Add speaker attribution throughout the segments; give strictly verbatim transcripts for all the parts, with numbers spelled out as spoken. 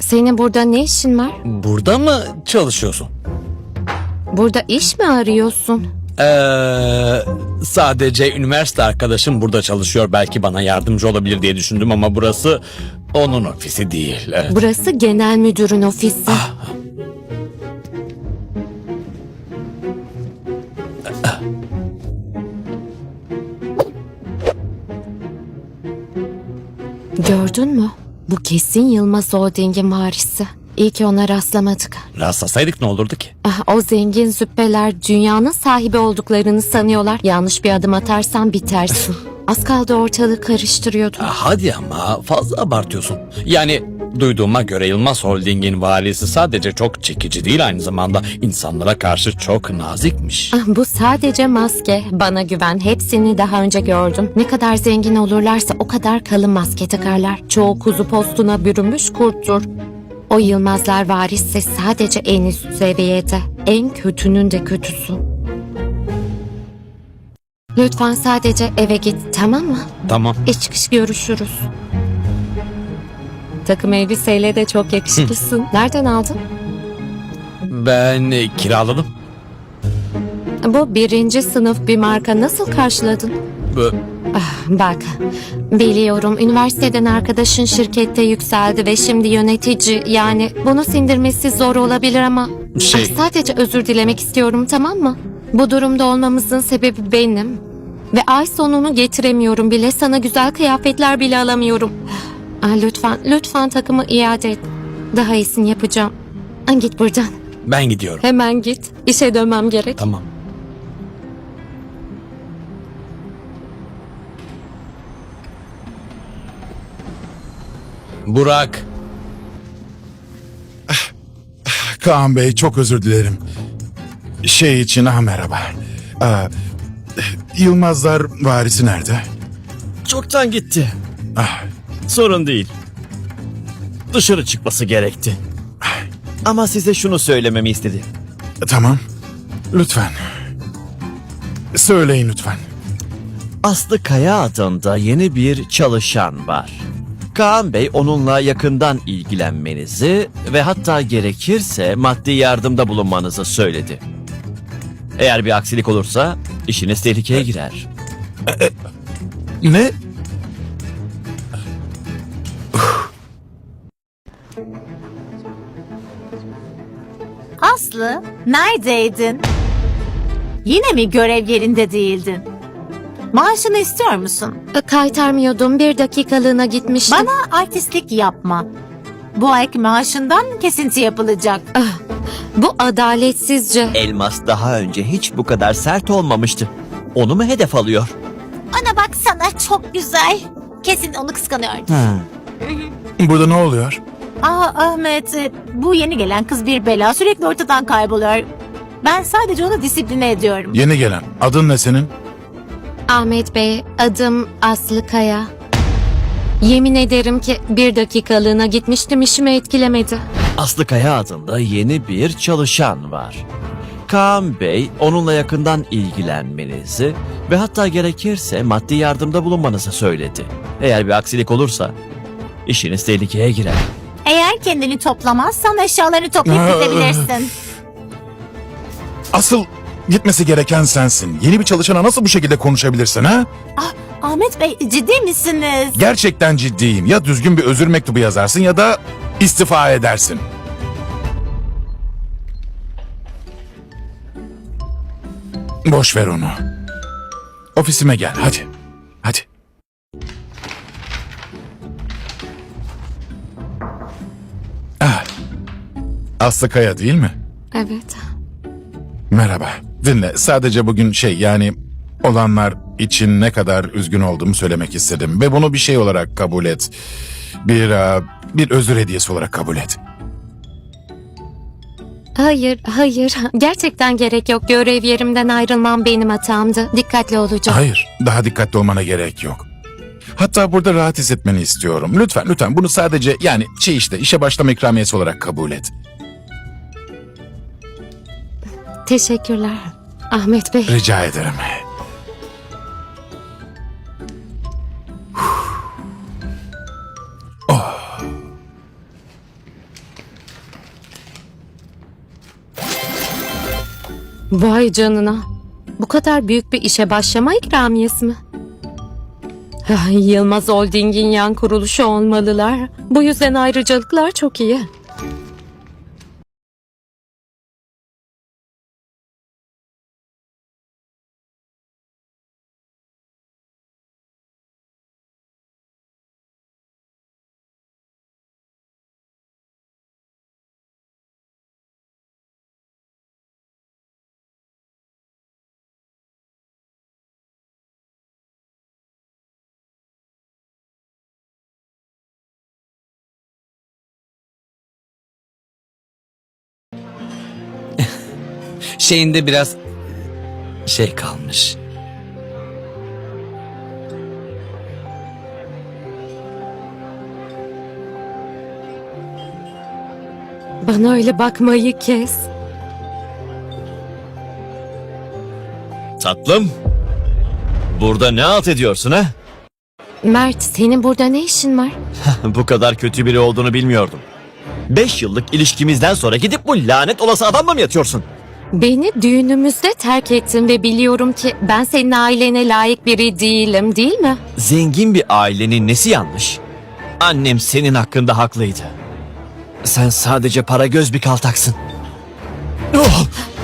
Speaker 1: Senin burada ne işin var?
Speaker 2: Burada mı çalışıyorsun?
Speaker 1: Burada iş mi arıyorsun?
Speaker 2: Ee, sadece üniversite arkadaşım burada çalışıyor. Belki bana yardımcı olabilir diye düşündüm ama burası onun ofisi değil. Evet.
Speaker 1: Burası genel müdürün ofisi. Gördün mü? Bu kesin Yılmaz Holding'in varisi. İyi ki ona rastlamadık.
Speaker 2: Rastlasaydık ne olurdu ki?
Speaker 1: Ah, o zengin züppeler dünyanın sahibi olduklarını sanıyorlar. Yanlış bir adım atarsan bitersin. Az kaldı ortalığı karıştırıyordu.
Speaker 2: Ah, hadi ama fazla abartıyorsun. Yani duyduğuma göre Yılmaz Holding'in valisi sadece çok çekici değil, aynı zamanda insanlara karşı çok nazikmiş.
Speaker 1: Ah, bu sadece maske. Bana güven. Hepsini daha önce gördüm. Ne kadar zengin olurlarsa o kadar kalın maske takarlar. Çoğu kuzu postuna bürünmüş kurttur. O Yılmazlar varisi sadece en üst seviyede. En kötünün de kötüsü. Lütfen sadece eve git, tamam mı?
Speaker 2: Tamam.
Speaker 1: İç çıkış görüşürüz. Takım elbiseyle de çok yakışıklısın. Nereden aldın?
Speaker 2: Ben e, kiraladım.
Speaker 1: Bu birinci sınıf bir marka, nasıl karşıladın?
Speaker 2: Bu-
Speaker 1: Ah, bak, biliyorum üniversiteden arkadaşın şirkette yükseldi ve şimdi yönetici. Yani bunu sindirmesi zor olabilir ama
Speaker 2: Şey-
Speaker 1: ah, sadece özür dilemek istiyorum, tamam mı? Bu durumda olmamızın sebebi benim. Ve ay sonunu getiremiyorum bile. Sana güzel kıyafetler bile alamıyorum. Ah, lütfen, lütfen takımı iade et. Daha iyisini yapacağım. Ah, git buradan.
Speaker 2: Ben gidiyorum.
Speaker 1: Hemen git. İşe dönmem gerek.
Speaker 2: Tamam. Burak.
Speaker 3: Kaan Bey, çok özür dilerim. Şey için ha merhaba. Aa, Yılmazlar varisi nerede?
Speaker 4: Çoktan gitti.
Speaker 3: Ah,
Speaker 4: Sorun değil. Dışarı çıkması gerekti. Ama size şunu söylememi istedi.
Speaker 3: tamam. Lütfen. Söyleyin lütfen.
Speaker 4: Aslı Kaya adında yeni bir çalışan var. Kaan Bey onunla yakından ilgilenmenizi ve hatta gerekirse maddi yardımda bulunmanızı söyledi. Eğer bir aksilik olursa işiniz tehlikeye girer.
Speaker 3: Ne?
Speaker 5: Aslı, neredeydin? Yine mi görev yerinde değildin? Maaşını istiyor musun?
Speaker 1: Kaytarmıyordum. Bir dakikalığına gitmiştim.
Speaker 5: Bana artistlik yapma. Bu ayki maaşından kesinti yapılacak.
Speaker 1: Bu adaletsizce.
Speaker 4: Elmas daha önce hiç bu kadar sert olmamıştı. Onu mu hedef alıyor?
Speaker 5: Ana baksana, çok güzel. Kesin onu kıskanıyor.
Speaker 3: Burada ne oluyor?
Speaker 5: Aa Ahmet, e, bu yeni gelen kız bir bela, sürekli ortadan kayboluyor. Ben sadece onu disipline ediyorum.
Speaker 3: Yeni gelen. Adın ne senin?
Speaker 1: Ahmet Bey, adım Aslı Kaya. Yemin ederim ki bir dakikalığına gitmiştim, işimi etkilemedi.
Speaker 4: Aslı Kaya adında yeni bir çalışan var. Kaan Bey onunla yakından ilgilenmenizi ve hatta gerekirse maddi yardımda bulunmanızı söyledi. Eğer bir aksilik olursa işiniz tehlikeye girer.
Speaker 5: Eğer kendini toplamazsan eşyalarını toplayıp gidebilirsin.
Speaker 3: Asıl gitmesi gereken sensin. Yeni bir çalışana nasıl bu şekilde konuşabilirsin ha?
Speaker 5: Ah, Ahmet Bey, ciddi misiniz?
Speaker 3: Gerçekten ciddiyim. Ya düzgün bir özür mektubu yazarsın ya da istifa edersin. Boş ver onu. Ofisime gel hadi. Hadi. Ah. Aslı Kaya değil mi?
Speaker 1: Evet.
Speaker 3: Merhaba. Dinle, sadece bugün şey yani olanlar için ne kadar üzgün olduğumu söylemek istedim. Ve bunu bir şey olarak kabul et. Bir, e, bir özür hediyesi olarak kabul et.
Speaker 1: Hayır, hayır. Gerçekten gerek yok. Görev yerimden ayrılmam benim hatamdı. Dikkatli olacağım.
Speaker 3: Hayır, daha dikkatli olmana gerek yok. Hatta burada rahat hissetmeni istiyorum. Lütfen, lütfen bunu sadece yani şey işte işe başlama ikramiyesi olarak kabul et.
Speaker 1: Teşekkürler. Ahmet Bey.
Speaker 3: Rica ederim.
Speaker 1: Vay canına. Bu kadar büyük bir işe başlama ikramiyesi mi? Ah, Yılmaz Holding'in yan kuruluşu olmalılar. Bu yüzden ayrıcalıklar çok iyi.
Speaker 2: Şeyinde biraz şey kalmış.
Speaker 1: Bana öyle bakmayı kes.
Speaker 4: Tatlım. Burada ne alt ediyorsun ha?
Speaker 1: Mert, senin burada ne işin var?
Speaker 4: Bu kadar kötü biri olduğunu bilmiyordum. Beş yıllık ilişkimizden sonra gidip bu lanet olası adamla mı yatıyorsun?
Speaker 1: Beni düğünümüzde terk ettin ve biliyorum ki ben senin ailene layık biri değilim, değil mi?
Speaker 4: Zengin bir ailenin nesi yanlış? Annem senin hakkında haklıydı. Sen sadece para göz bir kaltaksın. Oh!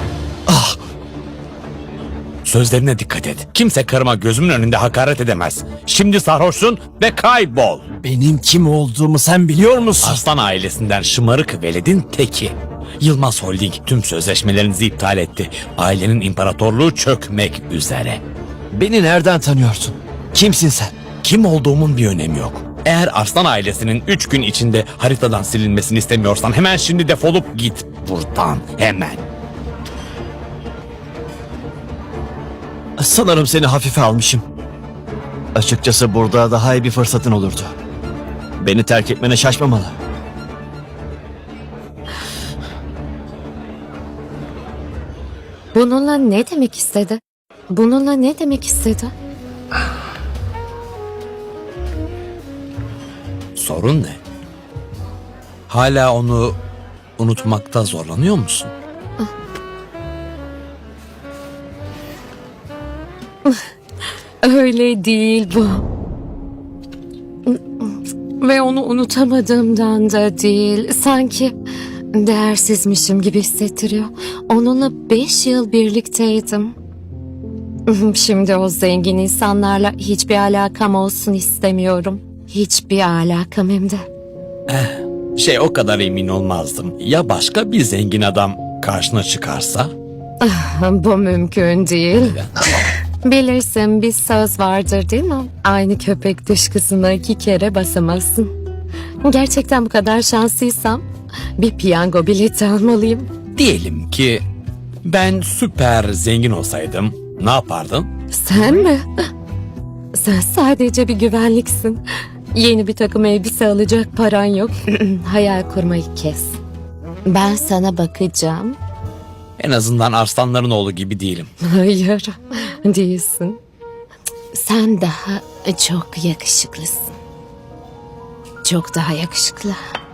Speaker 2: Sözlerine dikkat et. Kimse karıma gözümün önünde hakaret edemez. Şimdi sarhoşsun ve kaybol.
Speaker 4: Benim kim olduğumu sen biliyor musun?
Speaker 2: Arslan ailesinden şımarık veledin teki. Yılmaz Holding tüm sözleşmelerinizi iptal etti. Ailenin imparatorluğu çökmek üzere.
Speaker 4: Beni nereden tanıyorsun? Kimsin sen?
Speaker 2: Kim olduğumun bir önemi yok. Eğer Arslan ailesinin üç gün içinde haritadan silinmesini istemiyorsan hemen şimdi defolup git buradan. Hemen.
Speaker 4: Sanırım seni hafife almışım. Açıkçası burada daha iyi bir fırsatın olurdu. Beni terk etmene şaşmamalı.
Speaker 1: Bununla ne demek istedi? Bununla ne demek istedi?
Speaker 2: Sorun ne? Hala onu unutmakta zorlanıyor musun?
Speaker 1: Öyle değil bu. Ve onu unutamadığımdan da değil. Sanki değersizmişim gibi hissettiriyor. Onunla beş yıl birlikteydim. Şimdi o zengin insanlarla hiçbir alakam olsun istemiyorum. Hiçbir alakam hem de.
Speaker 2: Şey o kadar emin olmazdım. Ya başka bir zengin adam karşına çıkarsa?
Speaker 1: Bu mümkün değil. Bilirsin bir söz vardır değil mi? Aynı köpek dışkısına iki kere basamazsın. Gerçekten bu kadar şanslıysam bir piyango bileti almalıyım.
Speaker 2: Diyelim ki ben süper zengin olsaydım ne yapardın?
Speaker 1: Sen mi? Sen sadece bir güvenliksin. Yeni bir takım elbise alacak paran yok. Hayal kurmayı kes. Ben sana bakacağım.
Speaker 2: En azından arslanların oğlu gibi değilim.
Speaker 1: Hayır, değilsin. Sen daha çok yakışıklısın. Çok daha yakışıklı.